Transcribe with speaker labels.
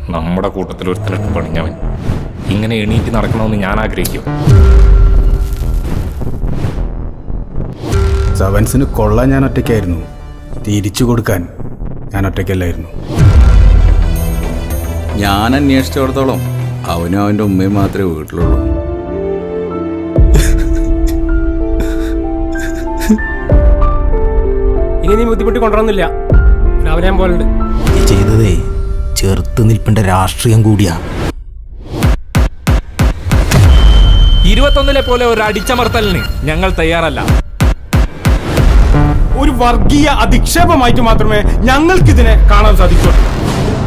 Speaker 1: നമ്മുടെ കൂട്ടത്തിൽ ഒരുത്തനിട്ട് പണിഞ്ഞവൻ ഇങ്ങനെ എണീറ്റ് നടക്കണമെന്ന് ഞാൻ ആഗ്രഹിക്കും.
Speaker 2: സെവൻസിന് കൊള്ളാൻ ഞാൻ ഒറ്റയ്ക്കായിരുന്നു, തിരിച്ചു കൊടുക്കാൻ ഞാൻ ഒറ്റയ്ക്കല്ലായിരുന്നു.
Speaker 3: ഞാൻ അന്വേഷിച്ചിടത്തോളം അവനും അവൻ്റെ ഉമ്മയും മാത്രമേ വീട്ടിലുള്ളൂ.
Speaker 4: ഇനി നീ ബുദ്ധിമുട്ടി കൊണ്ടുവന്നില്ല, രാവിലെ ഞാൻ പോലുണ്ട്.
Speaker 5: ചെയ്തതേ ചെറുത്ത് നിൽപ്പിന്റെ രാഷ്ട്രീയം കൂടിയാ.
Speaker 1: 21 പോലെ ഒരു അടിച്ചമർത്തലിന് ഞങ്ങൾ തയ്യാറല്ല.
Speaker 2: ഒരു വർഗീയ അധിക്ഷേപമായിട്ട് മാത്രമേ ഞങ്ങൾക്കിതിനെ കാണാൻ സാധിക്കൂ.